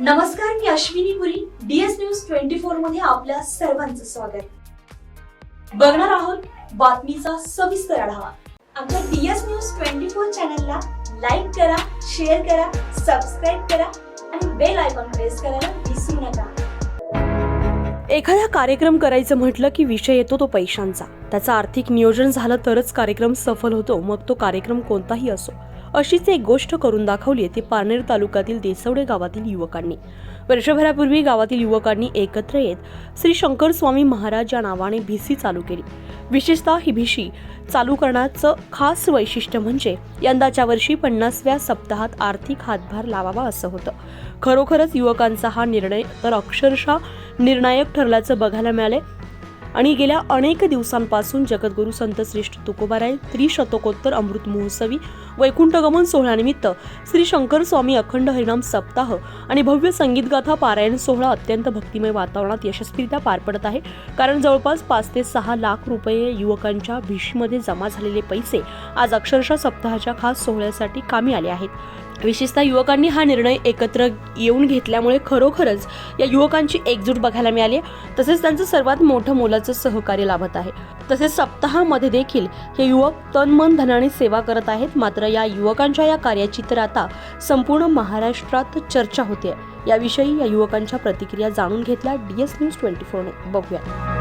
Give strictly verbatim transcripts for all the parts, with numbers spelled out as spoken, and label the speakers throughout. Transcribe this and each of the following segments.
Speaker 1: नमस्कार, मी Ashwini Puri. DS news twenty four मध्ये आपल्या सर्वांचं स्वागत. बघणार आहोत बातमीचा सविस्तर आढावा. आमच्या डीएस न्यूज ट्वेंटी फोर चॅनलला लाईक करा, शेअर करा, सबस्क्राईब करा आणि बेल आयकॉन प्रेस करायला विसरू नका.
Speaker 2: एखादा कार्यक्रम करायचं म्हटलं की विषय येतो तो पैशांचा. त्याचं आर्थिक नियोजन झालं तरच कार्यक्रम सफल होतो, मग तो कार्यक्रम कोणताही असो. अशीच एक गोष्ट करून दाखवली ती पारनेर तालुक्यातील देसवडे गावातील युवकांनी. वर्षभरापूर्वी गावातील युवकांनी एकत्र येत श्री शंकर स्वामी महाराज या नावाने भिसी चालू केली. विशेषतः ही भिशी चालू करण्याचं खास वैशिष्ट्य म्हणजे यंदाच्या वर्षी पन्नासव्या सप्ताहात आर्थिक हातभार लावावा असं होतं. खरोखरच युवकांचा हा निर्णय तर अक्षरशः निर्णायक ठरल्याचं बघायला मिळाले. आणि गेल्या अनेक दिवसांपासून जगद्गुरू संत श्रेष्ठ तुकोबाराय त्रिशतकोत्तर अमृत महोत्सवी वैकुंठगमन सोहळ्यानिमित्त श्री शंकर स्वामी अखंड हरिनाम सप्ताह आणि भव्य संगीतगाथा पारायण सोहळा अत्यंत भक्तिमय वातावरणात यशस्वीरित्या पार पडत आहे. कारण जवळपास पाच ते सहा लाख रुपये युवकांच्या भिशीमध्ये जमा झालेले पैसे आज अक्षरशः सप्ताहाच्या खास सोहळ्यासाठी कामी आले आहेत. विशेषतः युवकांनी हा निर्णय एकत्र येऊन घेतल्यामुळे खरोखरच या युवकांची एकजूट बघायला मिळाली. तसेच त्यांचं सर्वात मोठं मोलाचं सहकार्य लाभत आहे. तसेच सप्ताहामध्ये देखील हे युवक तन मन धनाने सेवा करत आहेत. मात्र या युवकांच्या या कार्याची तर आता संपूर्ण महाराष्ट्रात चर्चा होते. याविषयी या युवकांच्या प्रतिक्रिया जाणून घेतल्या डीएस न्यूज ट्वेंटी फोर ने. बघूया.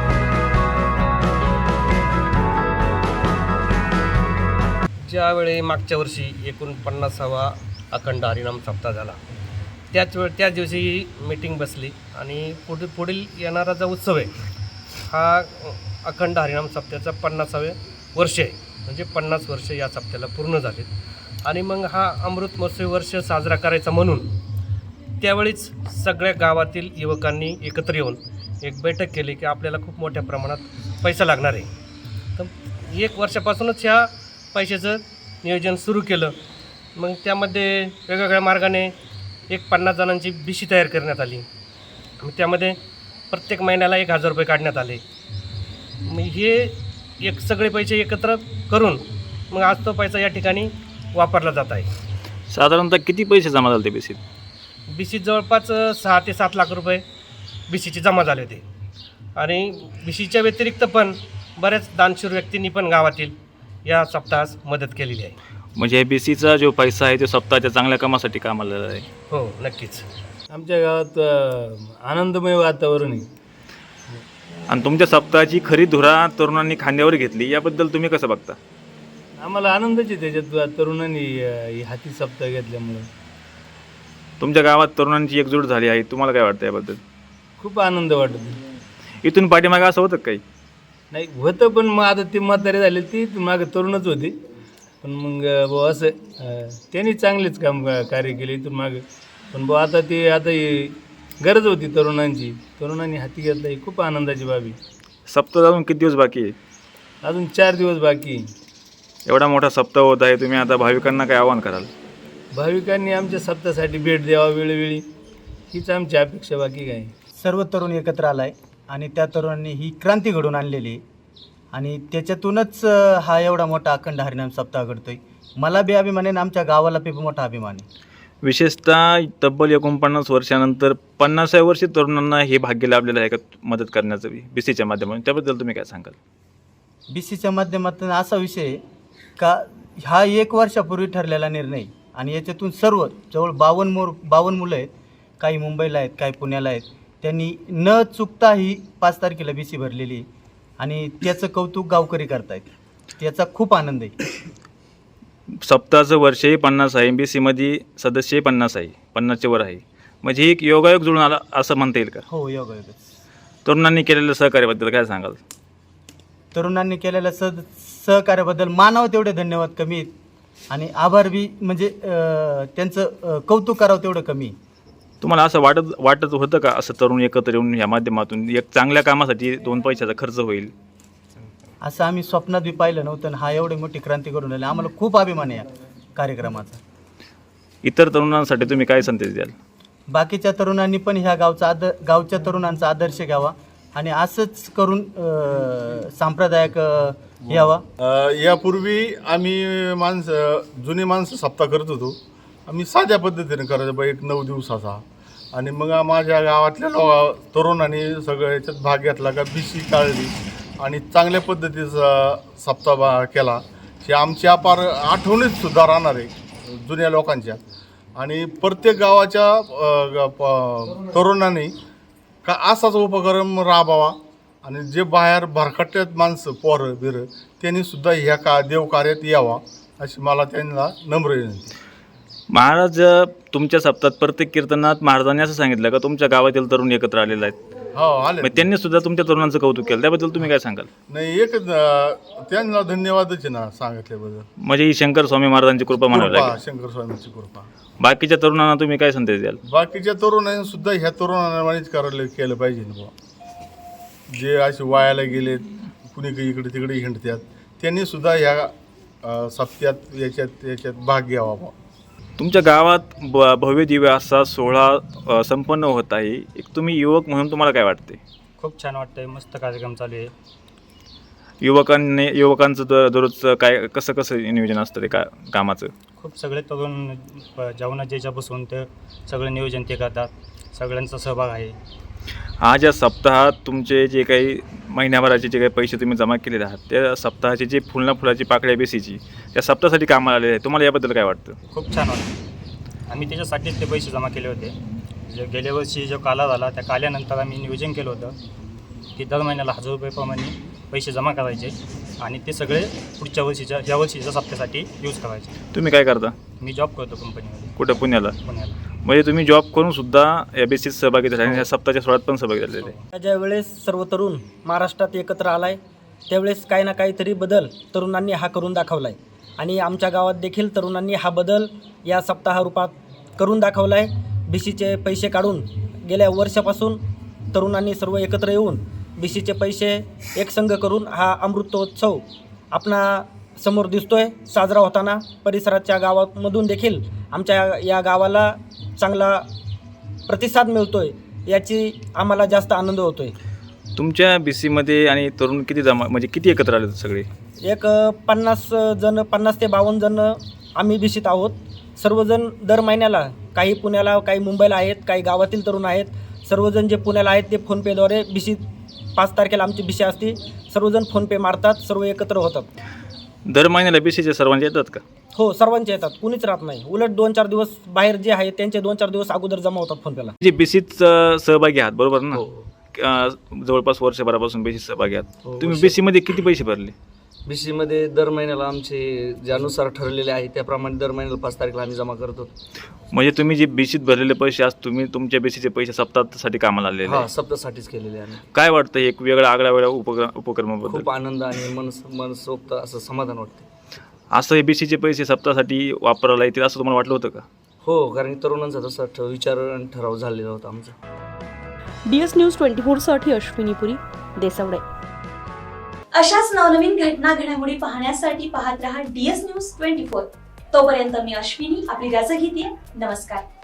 Speaker 3: ज्यावेळी मागच्या वर्षी एकोणपन्नासावा अखंड हरिनाम सप्ताह झाला, त्याच वेळ त्याच दिवशी ही मीटिंग बसली आणि पुढे पुढील येणारा जो उत्सव आहे हा अखंड हरिनाम सप्त्याचा पन्नासावे वर्ष आहे. म्हणजे पन्नास वर्ष या सप्त्याला पूर्ण झालेत. आणि मग हा अमृत महोत्सवी वर्ष साजरा करायचा म्हणून त्यावेळीच सगळ्या गावातील युवकांनी एकत्र येऊन एक बैठक केली की आपल्याला खूप मोठ्या प्रमाणात पैसा लागणार आहे. तर एक वर्षापासूनच ह्या पैशाचं नियोजन सुरू केलं. मग त्यामध्ये वेगवेगळ्या मार्गाने एक पन्नास जणांची भिशी तयार करण्यात आली. मग त्यामध्ये प्रत्येक महिन्याला एक हजार रुपये काढण्यात आले. मग हे एक सगळे पैसे एकत्र करून मग आज तो पैसा या ठिकाणी वापरला जात आहे.
Speaker 4: साधारणतः किती पैसे जमा झाले ते भिशीत?
Speaker 3: भिशीत जवळपास सहा ते सात लाख रुपये भिशीचे जमा झाले होते. आणि भिशीच्या व्यतिरिक्त पण बऱ्याच दानशूर व्यक्तींनी पण गावातील या सप्ताहास मदत केलेली आहे.
Speaker 4: म्हणजे भिसीचा जो पैसा आहे तो सप्ताहाच्या चांगल्या कामासाठी कामाला आहे.
Speaker 3: हो, नक्कीच.
Speaker 5: आमच्या गावात अ, आनंदमय वातावरण आहे.
Speaker 4: आणि तुमच्या सप्ताहाची खरी धुरा तरुणांनी खांद्यावर घेतली, याबद्दल तुम्ही कसं बघता?
Speaker 5: आम्हाला आनंदच आहे त्याच्यात तरुणांनी अ, ही हाती सप्ताह घेतल्यामुळं.
Speaker 4: तुमच्या गावात तरुणांची एकजूट झाली आहे, तुम्हाला काय वाटतं याबद्दल?
Speaker 5: खूप आनंद वाटतो.
Speaker 4: इथून पाठीमागे असं होतं काही?
Speaker 5: नाही होतं, पण मग आता ते म्हातारे झाले ती मागं तरुणच होते. पण मग बुवा असं अ, त्यांनी चांगलेच काम कार्य केले इथून मागं. पण बुवा आता ते आता ही गरज होती तरुणांची, तरुणांनी हाती घेतलं, ही खूप आनंदाची बाबी.
Speaker 4: सप्ताह अजून किती दिवस बाकी आहे?
Speaker 5: अजून चार दिवस बाकी.
Speaker 4: एवढा मोठा सप्ताह होत आहे, तुम्ही आता भाविकांना काय आवाहन कराल?
Speaker 5: भाविकांनी आमच्या सप्ताहासाठी भेट द्यावा वेळोवेळी, हीच आमची अपेक्षा, बाकी काय.
Speaker 6: सर्व तरुण एकत्र आला आहे आणि त्या तरुणांनी ही क्रांती घडवून आणलेली आहे. आणि त्याच्यातूनच अ, हा एवढा मोठा अखंड हरिनाम सप्ताह घडतोय. मला बी अभिमान आहे, आमच्या गावाला बी मोठा अभिमान आहे.
Speaker 4: विशेषतः तब्बल एकोणपन्नास वर्षानंतर पन्नासाव्या वर्षी तरुणांना हे भाग्य लाभलेलं आहे का मदत करण्याचं भिसीच्या माध्यमातून? त्याबद्दल तुम्ही काय सांगाल?
Speaker 6: बी सीच्या माध्यमातून असा विषय आहे का हा एक वर्षापूर्वी ठरलेला निर्णय आणि याच्यातून सर्व जवळ बावन्न मोर बावन्न मुलं आहेत. काही मुंबईला आहेत, काही पुण्याला आहेत. त्यांनी न चुकता ही पाच तारखेला बी सी भरलेली आहे आणि त्याचं कौतुक गावकरी करतायत. त्याचा खूप आनंद आहे.
Speaker 4: सप्ताहाचं वर्षही पन्नास आहे, बी सीमध्ये सदस्यही पन्नास आहे, पन्नासच्या वर आहे. म्हणजे एक योगायोग जुळून आला असं म्हणता येईल का?
Speaker 6: हो, योगायोगच.
Speaker 4: तरुणांनी केलेल्या सहकार्याबद्दल काय सांगाल?
Speaker 6: तरुणांनी केलेल्या सह सहकार्याबद्दल मानावं तेवढे धन्यवाद कमी आहेत. आणि आभार बी म्हणजे अ, त्यांचं अ, कौतुक करावं तेवढं कमी.
Speaker 4: तुम्हाला असं वाटत वाटत होतं का असं तरुण एकत्र येऊन या माध्यमातून एक चांगल्या कामासाठी दोन पैशाचा खर्च होईल?
Speaker 6: असं आम्ही स्वप्नात बी पाहिलं नव्हतं आणि हा एवढी मोठी क्रांती करून आली. आम्हाला खूप अभिमान आहे या कार्यक्रमाचा.
Speaker 4: इतर तरुणांसाठी तुम्ही काय संदेश द्याल?
Speaker 6: बाकीच्या तरुणांनी पण ह्या गावचा आदर गावच्या तरुणांचा आदर्श घ्यावा आणि असंच करून अ, सांप्रदायिक अ, यावा.
Speaker 7: अ, यापूर्वी आम्ही माणसं जुनी माणसं सप्ताह करत होतो. आम्ही साध्या पद्धतीने करायचो बा, एक नऊ दिवसाचा. आणि मग माझ्या गावातल्या लो तरुणांनी सगळं याच्यात भाग घेतला का बी सी काढली आणि चांगल्या पद्धतीचा सप्ताह बा केला की आमची अपार आठवणीत सुद्धा राहणार आहे जुन्या लोकांच्या. आणि प्रत्येक गावाच्या अ, ग- प- तरुणांनी का असाच उपक्रम राबवा आणि जे बाहेर भरकट्यात माणसं पोरं बिरं त्यांनी सुद्धा ह्या का देवकार्यात यावा अशी मला त्यांना नम्र विनंती.
Speaker 4: महाराज तुमच्या सप्ताहात प्रत्येक कीर्तनात महाराजांनी असं सांगितलं का तुमच्या गावातील तरुण एकत्र आलेले आहेत,
Speaker 7: हो आले
Speaker 4: मग त्यांनी सुद्धा तुमच्या तरुणांचं कौतुक केलं, त्याबद्दल तुम्ही काय सांगाल?
Speaker 7: नाही एकच अ, त्यांना धन्यवादच आहे ना सांगितल्याबद्दल.
Speaker 4: म्हणजे ही शंकर स्वामी महाराजांची कृपा म्हणावी
Speaker 7: कृपा
Speaker 4: लागेल.
Speaker 7: शंकर स्वामींची कृपा.
Speaker 4: बाकीच्या तरुणांना तुम्ही काय संदेश द्याल?
Speaker 7: बाकीच्या तरुणांनी सुद्धा ह्या तरुणांनाच करायला केलं पाहिजे ना बुवा. जे असे वायाला गेलेत कुणी काही इकडे तिकडे हिंडतात त्यांनी सुद्धा ह्या अ, सप्त्यात याच्यात याच्यात भाग घ्यावा बुवा.
Speaker 4: तुमच्या गावात ब भव्य दिव्य असा सोहळा अ, संपन्न होत आहे. एक तुम्ही युवक म्हणून तुम्हाला काय वाटते?
Speaker 8: खूप छान वाटतंय, मस्त कार्यक्रम चालू आहे.
Speaker 4: युवकांनी युवकांचं दर दररोजचं काय कसं कसं नियोजन असतं ते का कामाचं?
Speaker 8: खूप सगळे तरुण प- जेवणा ज्याच्या बसून ते सगळं नियोजन ते करतात, सगळ्यांचा सहभाग आहे.
Speaker 4: आज या सप्ताहात तुमचे जे काही महिन्याभराचे जे काही पैसे तुम्ही जमा केलेले आहात त्या सप्ताहाची जी फुलना फुलाची पाकळ्या बेसीची त्या सप्ताहासाठी कामाला आलेले आहे, तुम्हाला याबद्दल काय वाटतं?
Speaker 8: खूप छान वाटतं. आम्ही त्याच्यासाठीच ते पैसे जमा केले होते. जे गेल्या वर्षी जो काला झाला त्या काल्यानंतर आम्ही नियोजन केलं होतं की दर महिन्याला हजार रुपयेप्रमाणे पैसे जमा करायचे आणि ते सगळे पुढच्या वर्षीच्या या वर्षीच्या सप्त्यासाठी यूज करायचे.
Speaker 4: तुम्ही काय करता?
Speaker 8: मी जॉब करतो कंपनीमध्ये
Speaker 4: कुठं? पुण्याला.
Speaker 8: पुण्याला.
Speaker 4: म्हणजे तुम्ही जॉब करून सुद्धा या बेसीत सहभागी झाले आणि ह्या सप्ताहाच्या सोहळ्यात पण सहभागी झालेले आहे.
Speaker 9: ज्या वेळेस सर्व तरुण महाराष्ट्रात एकत्र आलाय त्यावेळेस काही ना काहीतरी बदल तरुणांनी हा करून दाखवला आहे आणि आमच्या गावात देखील तरुणांनी हा बदल या सप्ताहरूपात करून दाखवला आहे. बी सीचे पैसे काढून गेल्या वर्षापासून तरुणांनी सर्व एकत्र येऊन बी सीचे पैसे एकसंघ करून हा अमृतोत्सव आपणा समोर दिसतोय साजरा होताना. परिसराच्या गावामधून देखील आमच्या या गावाला चांगला प्रतिसाद मिळतोय याची आम्हाला जास्त आनंद होतोय.
Speaker 4: तुमच्या बी सीमध्ये आणि तरुण किती जमा म्हणजे किती एकत्र आले सगळे?
Speaker 9: एक अ, पन्नास जण पन्नास ते बावन्न जण आम्ही बिशीत आहोत. सर्वजण दर महिन्याला काही पुण्याला काही मुंबईला आहेत काही गावातील तरुण आहेत. सर्वजण जे पुण्याला आहेत ते फोनपेद्वारे बिशीत पाच तारखेला आमची बिशी असते. सर्वजण फोनपे मारतात, सर्व एकत्र होतात.
Speaker 4: दर महिन्याला बी सीचे सर्वांचे येतात का?
Speaker 9: हो सर्वांचे येतात, कुणीच राहत नाही. उलट दोन चार दिवस बाहेर जे आहेत त्यांचे दोन चार दिवस अगोदर जमा होतात फोनपेला.
Speaker 4: जे बी सीत सहभागी आहात बरोबर ना? अ, जवळपास वर्षभरापासून बी सीत सहभागी आहात. तुम्ही बी सीमध्ये किती पैसे भरले?
Speaker 10: बी सीमध्ये दर महिन्याला आमचे ज्यानुसार ठरलेले आहे त्याप्रमाणे दर महिन्याला पाच तारखेला आम्ही जमा करतो.
Speaker 4: म्हणजे तुम्ही जे बी सीत भरलेले पैसे आज तुम्ही तुमच्या बी सीचे पैसे सप्ताहासाठी कामाला आलेले
Speaker 10: हा
Speaker 4: आहे.
Speaker 10: सप्तासाठीच केलेले आहे.
Speaker 4: काय वाटतं एक वेगळा आगळा वेगळा उपक्रम उपक्रमाबद्दल?
Speaker 10: खूप आनंद आणि मन मनसोक्त असं समाधान वाटते.
Speaker 4: असं हे बी सीचे पैसे सप्ताहासाठी वापरायला येतील असं तुम्हाला वाटलं होतं का?
Speaker 10: हो, कारण की तरुणांचा तसा ठ- विचार आणि ठराव झालेला होता आमचा.
Speaker 2: डी एस न्यूज ट्वेंटी फोरसाठी अश्विनी पुरी, देसवडे.
Speaker 1: अशाच नवनवीन घटना घडामोडी पाहण्यासाठी पाहत रहा डीएस न्यूज ट्वेंटी फोर. तोपर्यंत मी अश्विनी आपली रजा घेते. नमस्कार.